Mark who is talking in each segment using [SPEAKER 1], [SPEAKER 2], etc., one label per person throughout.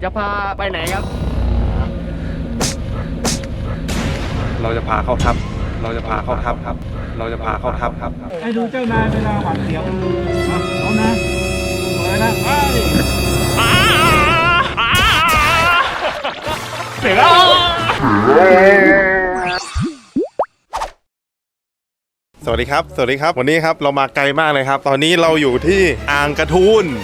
[SPEAKER 1] จะพาไปไหนครับ
[SPEAKER 2] เราจะพาเข้าทับเราจะพาเข้าทับครับเราจะพาเข้าทับครับ
[SPEAKER 3] ให้ดูเจ้านายเวลาหวานเสียวเอานะเลยนะไป
[SPEAKER 2] เสียงสวัสดีครับสวัสดีครับวันนี้ครับเรามาไกลมากเลยครับตอนนี้เราอยู่ที่อ่างกระทูน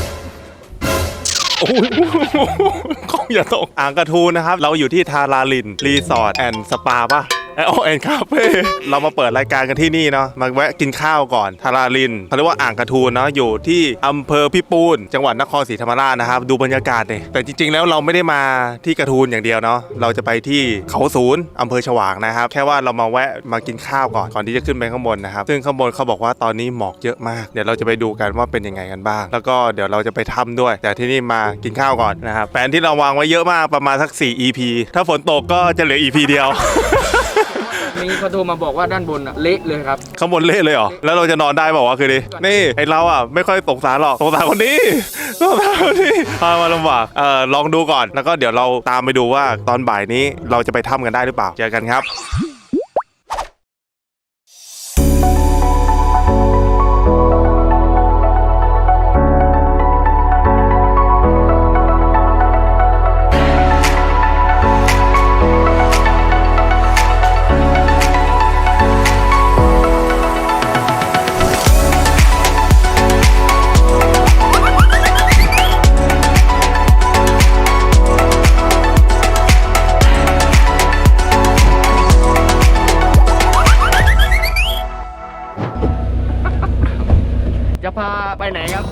[SPEAKER 2] โอ้ยกล้องอย่าตกอ่างกระทูนนะครับเราอยู่ที่ทาราลินรีสอร์ทแอนด์สปาป่ะแอนด์คาเฟ่เรามาเปิดรายการกันที่นี่เนาะมาแวะกินข้าวก่อนทาราลินเขาเรียกว่าอ่างกระทูนเนาะอยู่ที่อำเภอพิปูนจังหวัดนครศรีธรรมราชนะครับดูบรรยากาศเลยแต่จริงๆแล้วเราไม่ได้มาที่กระทูนอย่างเดียวเนาะเราจะไปที่เขาศูนย์อำเภอฉวางนะครับแค่ว่าเรามาแวะมากินข้าวก่อนที่จะขึ้นไปข้างบนนะครับซึ่งข้างบนเขาบอกว่าตอนนี้หมอกเยอะมากเดี๋ยวเราจะไปดูกันว่าเป็นยังไงกันบ้างแล้วก็เดี๋ยวเราจะไปถ้ำด้วยแต่ที่นี่มากินข้าวก่อนนะครับแผนที่เราวางไว้เยอะมากประมาณสัก4 EP ถ้าฝนตกก็จะเหลือ EP เดียว
[SPEAKER 1] มีเขาโทรมาบอกว่าด้านบนเละเลยครับ
[SPEAKER 2] ข้างบนเละเลยเหรอแล้วเราจะนอนได้บอกว่าคือดินี่ไอเราอ่ะไม่ค่อยสงสารหรอกสงสารคนนี้สงสารคนนี้พามาลำบากลองดูก่อนแล้วก็เดี๋ยวเราตามไปดูว่าตอนบ่ายนี้เราจะไปถ้ำกันได้หรือเปล่าเจอกันครับ
[SPEAKER 1] จะพาไปไหนครับ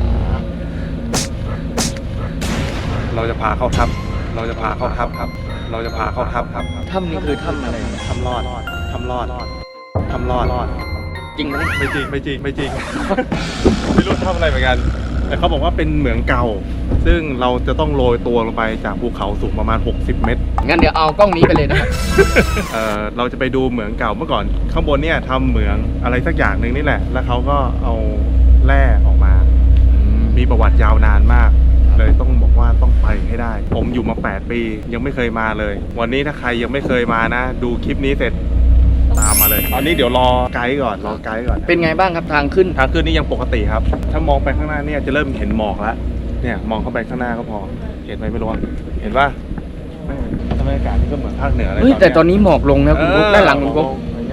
[SPEAKER 2] เราจะพาเข้าถ้ำเราจะพาเข้าถ้ำครับเราจะพาเข้าถ้ำครับ
[SPEAKER 1] ถ้ำนี้คือถ้ำอะไร
[SPEAKER 2] ถ้ำรอดถ้ำรอดถ้ำรอด
[SPEAKER 1] จริงไหม
[SPEAKER 2] ไม่จริงไม่รู้ทำอะไรเหมือนกันแต่เขาบอกว่าเป็นเหมืองเก่าซึ่งเราจะต้องโรยตัวลงไปจากภูเขาสูงประมาณ60 เมตร
[SPEAKER 1] งั้นเดี๋ยวเอากล้องนี้ไปเลยนะครับ
[SPEAKER 2] เราจะไปดูเหมืองเก่าเมื่อก่อนข้างบนเนี่ยทำเหมืองอะไรสักอย่างหนึ่งนี่แหละแล้วเขาก็เอาแร่ออกมามีประวัติยาวนานมากเลยต้องบอกว่าต้องไปให้ได้ผมอยู่มา8 ปียังไม่เคยมาเลยวันนี้ถ้าใครยังไม่เคยมานะดูคลิปนี้เสร็จตามมาเลยตอนนี้เดี๋ยวรอไกด์ก่อน
[SPEAKER 1] เป็นไงบ้างครับทางขึ้น
[SPEAKER 2] นี่ยังปกติครับถ้ามองไปข้างหน้าเนี่ยจะเริ่มเห็นหมอกแล้วเนี่ยมองเข้าไปข้างหน้าก็พอเห็นไหมไม่รู้เห็นป่ะบรรยากาศนี่ก็เหมือนภาคเหนือเลย
[SPEAKER 1] แต่ตอนนี้หมอกลงนะคุณกุ๊กด้านหลังคุณกุ๊ก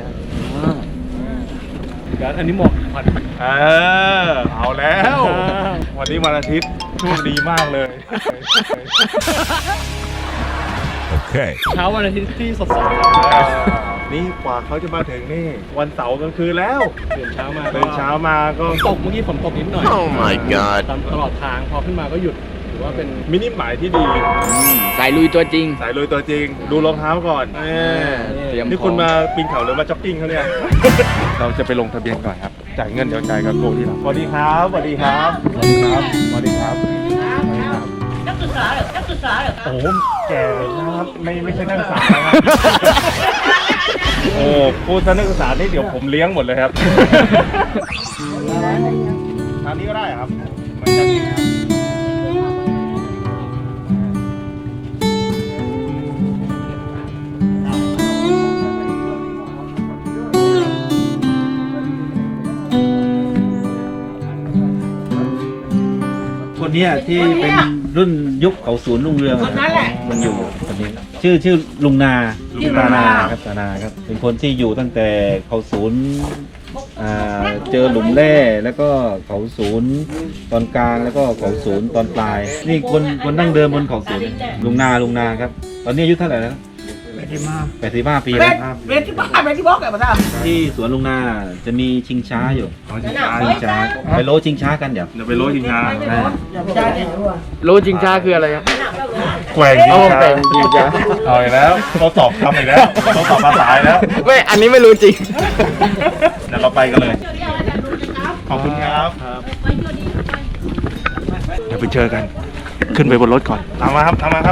[SPEAKER 2] อันนี้หมอกผัดเอาแล้ววันนี้วันอาทิตย์โชคดีมากเลยโอเค
[SPEAKER 3] เช้าวันอาทิตย์ที่สดใส
[SPEAKER 2] นี่กว่าเขาจะมาถึงนี่วันเสาร์กลางคืนแล้ว
[SPEAKER 3] ตื่นเช้ามา
[SPEAKER 2] ก็
[SPEAKER 3] ตกเมื่อกี้ฝนตกนิดหน่อย
[SPEAKER 2] Oh my god
[SPEAKER 3] ตลอดทางพอขึ้นมาก็หยุดถือว่าเป็น
[SPEAKER 2] มินิหมายที่ดี
[SPEAKER 1] สายลุยตัวจริง
[SPEAKER 2] ดูรองเท้าก่อนนี่คุณมาปีนเขาหรือมาจ็อกกิ้งเขาเนี่ย เราจะไปลงทะเบียนก่อนครับจ่ายเงินเดี๋ยวจ่ายกับโกที่หลังสวัสดีครับ
[SPEAKER 4] นักศึกษาเหรอ
[SPEAKER 2] โอ้โหแก่นะครับไม่ใช่นักศึกษานะครับโอ้พูดซะนักศึกษานี่เดี๋ยวผมเลี้ยงหมดเลยครับทางนี้ก็ได้ครับเหมือนกัน
[SPEAKER 5] คนนี้ที่เป็นรุ่นยุคเขาศูนย์รุ่งเรืองมันอยู่คนนี้ชื่อลุงนาตานาครับเป็นคนที่อยู่ตั้งแต่เขาศูนย์เจอหลุมแร่แล้วก็เขาศูนย์ตอนกลางแล้วก็เขาศูนย์ตอนปลายนี่คนดั้งเดิมบนเขาศูนย์ลุงนาครับตอนนี้อายุเท่าไหร่แล้ว85 ปีแล้วครับ
[SPEAKER 4] เวทีบ้าแกมาทำ
[SPEAKER 5] ที่สวนลุงนาจะมีชิงช้าอยู่ชิงช้าไปโลชิงช้ากันเดี๋ยว
[SPEAKER 2] ไปโลชิงช้า
[SPEAKER 1] โลชิงช้าคืออะไรครับ
[SPEAKER 2] แกว่งชิงช้าเอาอีกแล้วเขาสอบทำอีกแล้วเขาสอบภาษาอีกแล้ว
[SPEAKER 1] ไม่อันนี้ไม่รู้จริง
[SPEAKER 2] เดี๋ยวเราไปกันเลยขอบคุณครับเดี๋ยวไปเจอกันขึ้นไปบนรถก่อนทำมาครับ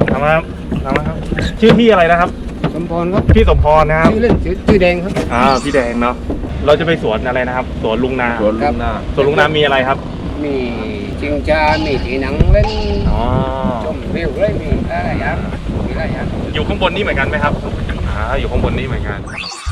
[SPEAKER 2] ชื่อพี่อะไรนะครับ
[SPEAKER 1] สมพรครับ
[SPEAKER 2] พี่สมพรนะครับ
[SPEAKER 1] ชื่อเล่นชื่อแดงครับ
[SPEAKER 2] พี่แดงเนาะเราจะไปสวนอะไรนะครับสวนลุงนาสวนลุงนามีอะไรครับ
[SPEAKER 1] มีชิงช้ามีที่หนังเล่นชม
[SPEAKER 2] อยู่ข้างบนนี่เหมือนกันไหมครับอยู่ข้างบนนี่เหมือนกัน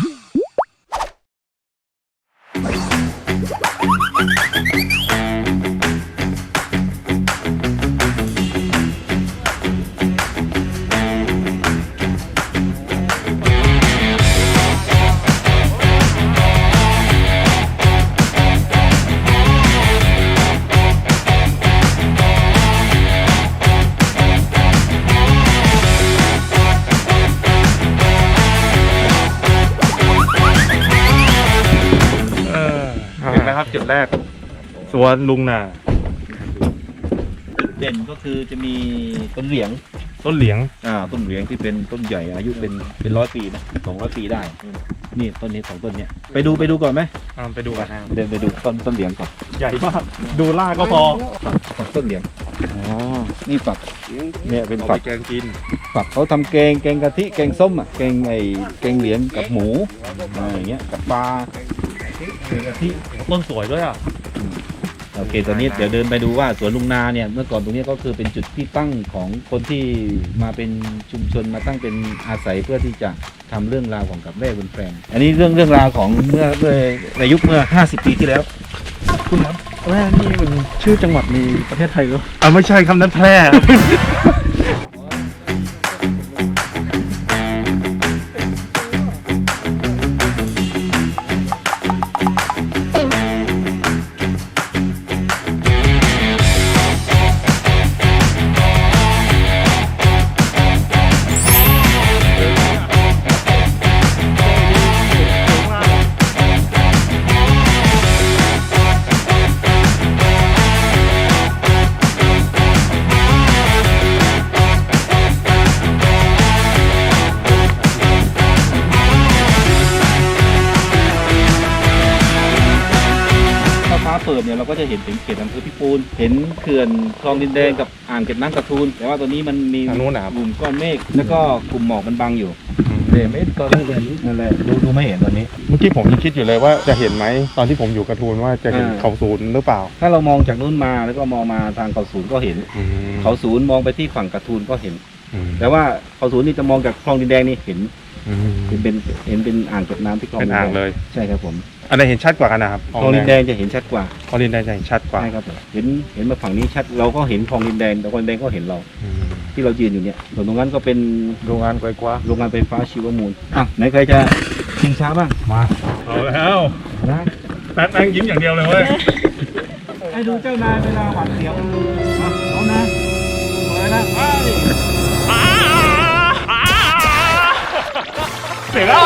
[SPEAKER 2] เห็นไหมครับจุดแรกสวนลุงนา
[SPEAKER 5] จุดเด่นก็คือจะมีต้นเหลียง
[SPEAKER 2] ต้นเหลียง
[SPEAKER 5] ต้นเหลียงที่เป็นต้นใหญ่อายุเป็น100 ปีนะ200 ปีได้ นี่ต้นนี้2ต้นเนี้ยไปดูก่อนไหม
[SPEAKER 2] ไปดูกัน
[SPEAKER 5] เดินไปดูต้นเหลียงก่อน
[SPEAKER 2] ใหญ่มากดูล่าก็พอ
[SPEAKER 5] ฝักต้นเหลียงนี่ฝักเนี่ยเป็น
[SPEAKER 2] เอา
[SPEAKER 5] ฝั
[SPEAKER 2] ไป
[SPEAKER 5] ก
[SPEAKER 2] แกงกิน
[SPEAKER 5] ฝักเขาทำแกงกะทิแกงส้มแกงเหลียงกับหมูอย่างเงี้ยกับปลาแกงกะทิ
[SPEAKER 2] ต้นสวยด้วยอ่ะ
[SPEAKER 5] โอเคตอนนี้เดี๋ยวเดินไปดูว่าสวนลุงนาเนี่ยเมื่อก่อนตรงนี้ก็คือเป็นจุดที่ตั้งของคนที่มาเป็นชุมชนมาตั้งเป็นอาศัยเพื่อที่จะทำเรื่องราวของกับแร่บนแปลงอันนี้เรื่องราวของเมื่อในยุคเมื่อ50 ปีที่แล้ว
[SPEAKER 3] คุณครับแร่นี่มันชื่อจังหวัดในประเทศไทยหรือ
[SPEAKER 2] ไม่ใช่คำนั้นแพร่
[SPEAKER 5] ฟ้าเปิดเนี่ยเราก็จะเห็นถึงเขตอำเภอพิปูนเห็นเขื่อนคลองดินแดงกับอ่างเก็บน้ำกระทูลแต่ว่าตัวนี้มันมี
[SPEAKER 2] ทางนู้นนะครับ
[SPEAKER 5] กลุ่มก้อนเมฆแล้วก็กลุ่มหมอกมันบังอยู่เห็นไหมตอนนี้นั่นแหละดูไม่เห็นตอนนี้
[SPEAKER 2] เมื่อกี้ผมยังคิดอยู่เลยว่าจะเห็นไหมตอนที่ผมอยู่กระทูลว่าจะเห็นเขาศูนย์หรือเปล่า
[SPEAKER 5] ถ้าเรามองจากนู้นมาแล้วก็มองมาทางเขาศูนย์ก็เห็นเขาศูนย์มองไปที่ฝั่งกระทูลก็เห็น แต่ว่าเขาศูนย์นี่จะมองจากคลองดินแดงนี่เห็นเป็นอ่างเก็บน้ำที่คลอง
[SPEAKER 2] เป็น
[SPEAKER 5] ดิน
[SPEAKER 2] อ่าง
[SPEAKER 5] แดง
[SPEAKER 2] เลย
[SPEAKER 5] ใช่ครับผม
[SPEAKER 2] อันไหนเห็นชัดกว่ากันนะครับ
[SPEAKER 5] คลองดินแดงจะเห็นชัดกว่า
[SPEAKER 2] คลองดินแดงจะเห็นชัดกว่า
[SPEAKER 5] ใช่ครับผมเห็นมาฝั่งนี้ชัดเราก็เห็นคลองดินแดงแต่คลองดินแดงก็เห็นเราที่เรายืนอยู่เนี่ยส่วนตรงนั้นก็เป็น
[SPEAKER 3] โรงงานไกลกว่า
[SPEAKER 5] โรงงานไฟฟ้าชีวมูลไหนใครจะชิงช้าบ้างมา
[SPEAKER 2] เอาแล้ว
[SPEAKER 5] นะ
[SPEAKER 2] แป๊บยิ้มอย่างเดียวเลยเว้ย
[SPEAKER 3] ให้ดูเจ้านายเวลาหวานเสียวเอานะเลยนะไป
[SPEAKER 2] เสร็จแล้ว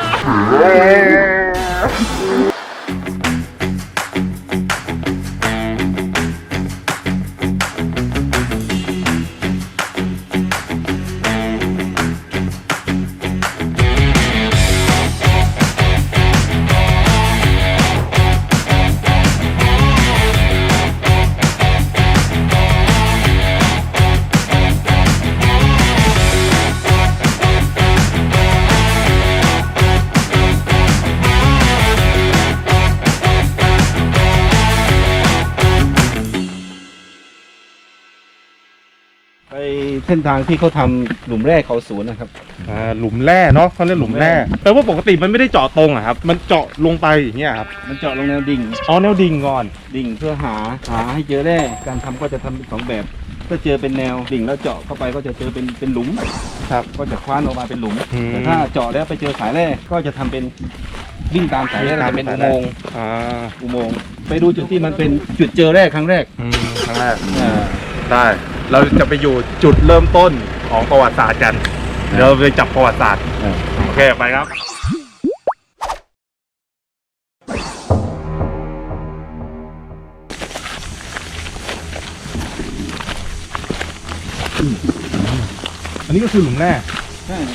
[SPEAKER 5] ไปเส้นทางที่เขาทำหลุมแร่เขาศูนย์นะครับ
[SPEAKER 2] หลุมแร่เนาะเขาเรียกหลุมแร่แปลว่าปกติมันไม่ได้เจาะตรงอะครับมันเจาะลงไปอย่างเงี้ยครับ
[SPEAKER 5] มันเจาะลงแนวดิ่ง
[SPEAKER 2] อ๋อแนวดิ่งก่อน
[SPEAKER 5] ดิ่งเพื่อหาให้เจอแร่การทำก็จะทำเป็นสองแบบถ้าเจอเป็นแนวดิ่งแล้วเจาะเข้าไปก็จะเจอเป็นหลุม
[SPEAKER 2] ครับ
[SPEAKER 5] ก็จะคว้านออกมาเป็นหลุม
[SPEAKER 2] อืม
[SPEAKER 5] แต่ถ้าเจาะแล้วไปเจอสายแร่ก็จะทำเป็นวิ่งตามสายแร่จะเป็นอุโมงค์ อุโมงค์ไปดูจุดที่มันเป็นจุดเจอแร่ครั้งแรก
[SPEAKER 2] ครั้งแรก
[SPEAKER 5] อ่า
[SPEAKER 2] ได้เราจะไปอยู่จุดเริ่มต้นของประวัติศาสตร์กันเดี๋ยวเราไปจับประวัติศาสตร์โอเคไปครับอันนี้ก็คือหลุมแร่
[SPEAKER 5] ใช่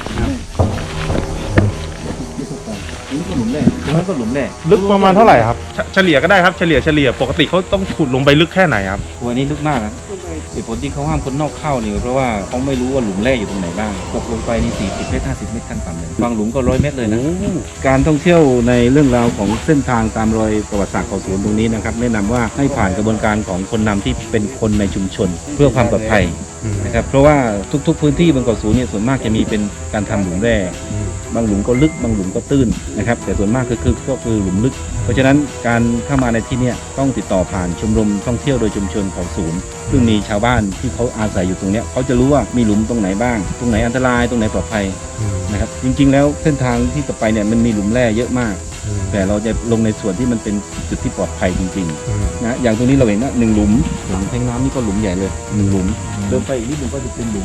[SPEAKER 5] นี่ก็หลุมแร่ตรงนั้นก็หลุมแร่
[SPEAKER 2] ลึกประมาณเท่าไหร่ครับเฉลี่ยก็ได้ครับเฉลี่ยปกติเขาต้องขุดลงไปลึกแค่ไหนครับ
[SPEAKER 5] ตัวนี้ลึกมากนะเหตุผลที่เขาห้ามคนนอกเข้าเนี่ยเพราะว่าเขาไม่รู้ว่าหลุมแร่อยู่ตรงไหนบ้างตกลงไปนี่40 เมตร 50 เมตรขั้นต่ำเลยบางหลุมก็100 เมตรเลยนะการท่องเที่ยวในเรื่องราวของเส้นทางตามรอยประวัติศาสตร์เขาสวนตรงนี้นะครับแนะนำว่าให้ผ่านกระบวนการของคนนำที่เป็นคนในชุมชน เพื่อความปลอดภัยนะครับเพราะว่าทุกๆพื้นที่บนเกาะสูงเนี่ยส่วนมากจะมีเป็นการทำหลุมแร่บางหลุมก็ลึกบางหลุมก็ตื้นนะครับแต่ส่วนมากก็คือหลุมลึก เพราะฉะนั้นการเข้ามาในที่เนี่ยต้องติดต่อผ่านชมรมท่องเที่ยวโดยชุมชนเขาสูงซึ่งมีชาวบ้านที่เขาอาศัยอยู่ตรงเนี้ยเขาจะรู้ว่ามีหลุมตรงไหนบ้างตรงไหนอันตรายตรงไหนปลอดภัยนะครับจริงๆแล้วเส้นทางที่จะไปเนี่ยมันมีหลุมแร่เยอะมาก แต่เราจะลงในส่วนที่มันเป็นจุดที่ปลอดภัยจริงๆนะอย่างตรงนี้เราเห็นนะ1 หลุมแทงน้ำนี่ก็หลุมใหญ่เลย1 หลุมเดินไปอีกนิดนึงก็จะเป็นหลุม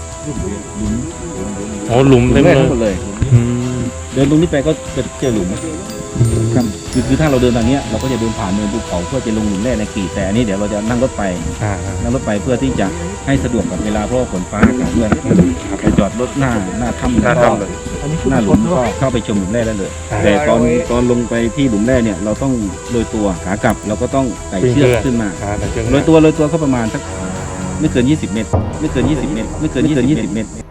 [SPEAKER 2] อ๋อหลุมเต็ม
[SPEAKER 5] แร่
[SPEAKER 2] เลย
[SPEAKER 5] ทั้งหมดเลยเดินตรงนี้ไปก็จะเจอหลุมครับคือถ้าเราเดินทางเนี้ยเราก็จะเดินผ่านเนินภูเขาเพื่อจะลงหลุมแร่ในกีแต่อันนี้เดี๋ยวเราจะนั่งรถไปเพื่อที่จะให้สะดวกกับเวลาเพราะว่าฝนฟ้าอากาศด้วยไปจอดรถหน้าถ้ำแล้วก็หน้าหลุมก็เข้าไปชมหลุมแร่ได้เลย แต่ตอนลงไปที่หลุมแร่เนี่ยเราต้องโรยตัวขากลับเราก็ต้องไต่เชือกขึ้นมาโรยตัวก็ประมาณสักไม่เกิน 20 เมตรไม่เกิน 20 เมตรไม่เกิน 20 เมตร